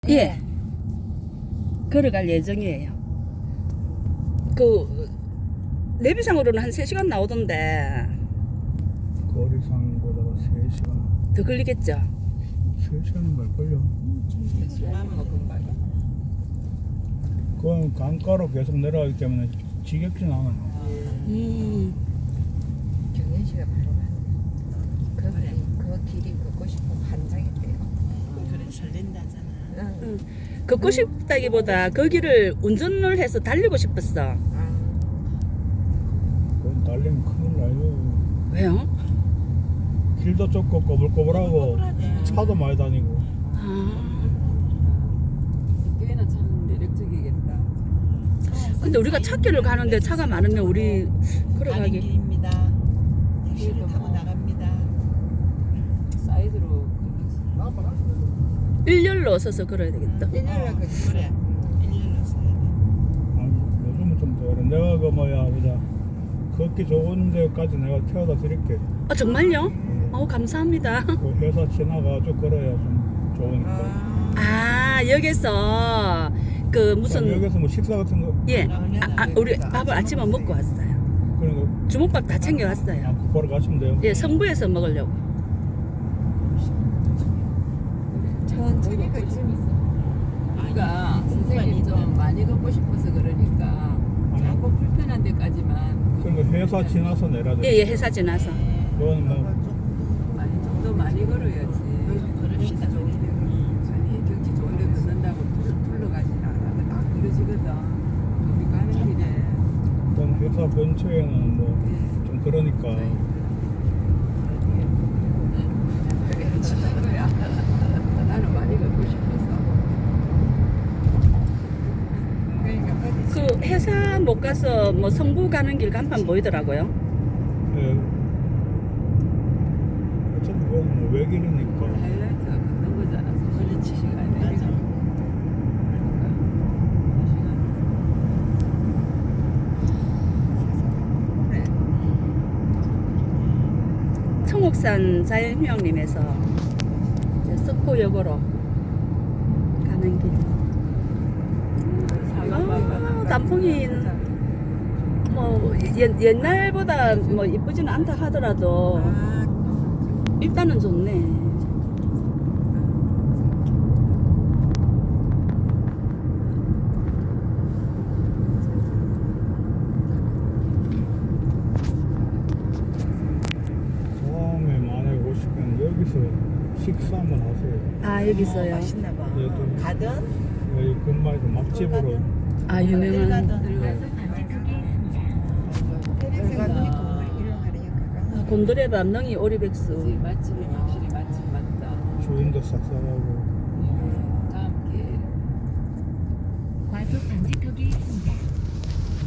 예. 걸어갈 예정이에요. 그 내비상으로는 한 3시간 나오던데 거리상보다 3시간 더 걸리겠죠? 3시간은 걸걸요. 그건 강가로 계속 내려가기 때문에 지겹진 않아요. 경현 씨가 바로 가는 그 길이 걷고 싶으면 한장인데요. 그래 설렌다잖아. 응. 걷고 싶다기보다 거기를 운전을 해서 달리고 싶었어. 그건 달리면 큰일 나요. 왜요? 길도 좁고 꼬불꼬불하고 꼬불꼬불하네. 차도 많이 다니고. 꽤나 참 매력적이겠다. 근데 우리가 찾기를 가는데 차가 많으면 우리 가는 걸어가기. 길입니다. 택시를 타고 나갑니다. 사이드로 일렬로 서서 걸어야 되겠다. 일렬로 걷지. 그래. 일렬로 써야 돼. 아니, 요즘은 좀 더 그래. 내가 그 뭐야 보자 걷기 좋은 데까지 내가 태워다 드릴게. 아 정말요? 감사합니다. 그 회사 지나가지고 걸어야 좀 좋으니까. 아 여기서 그 무슨 여기서 뭐 식사 같은 거 예. 우리 밥을 아침에 먹고 왔어요. 그런 주먹밥 다 거 챙겨왔어요. 곧바로 가시면 돼요. 예, 성부에서 먹으려고. 천천히 걷지. 우리가 선생님 좀 많이 걷고 싶어서 그러니까 자꾸 불편한 데까지만 그러니까 회사 지나서 내려야 돼. 예, 예, 회사 지나서. 그건 뭐 좀 더 많이 걸어야지. 그럽시다. 아니 경치 좋은 데 걷는다고 둘러가진 않아. 딱 그러지거든. 우리 가는 길에 일단 회사 근처에는 뭐 좀 그러니까 거야. 나는 많이 걷고 싶었어. 그 회사 못 가서 뭐 성부 가는 길 간판 보이더라고요. 예. 어차피 그건 뭐 외길이니까 하이라이트가 걷는 거잖아. 그렇지. 시간에. 맞아. 청옥산 자연휴양림에서 이제 석포역으로 가는 길. 단풍이 뭐 옛날보다 뭐 이쁘지는 않다 하더라도 일단은 좋네. 다음에 만약에 오시면 여기서 식사 한번 하세요. 아 여기 있어요. 맛있나 봐. 예, 또 가든 여기 근마에서 맛집으로 아 유명한. 가든 곤드레밥, 능이, 오리백수. 맛집이 확실히 맛집 맞다. 주인도 싹싹하고 다음 기회에 과속 방지턱이 있습니다.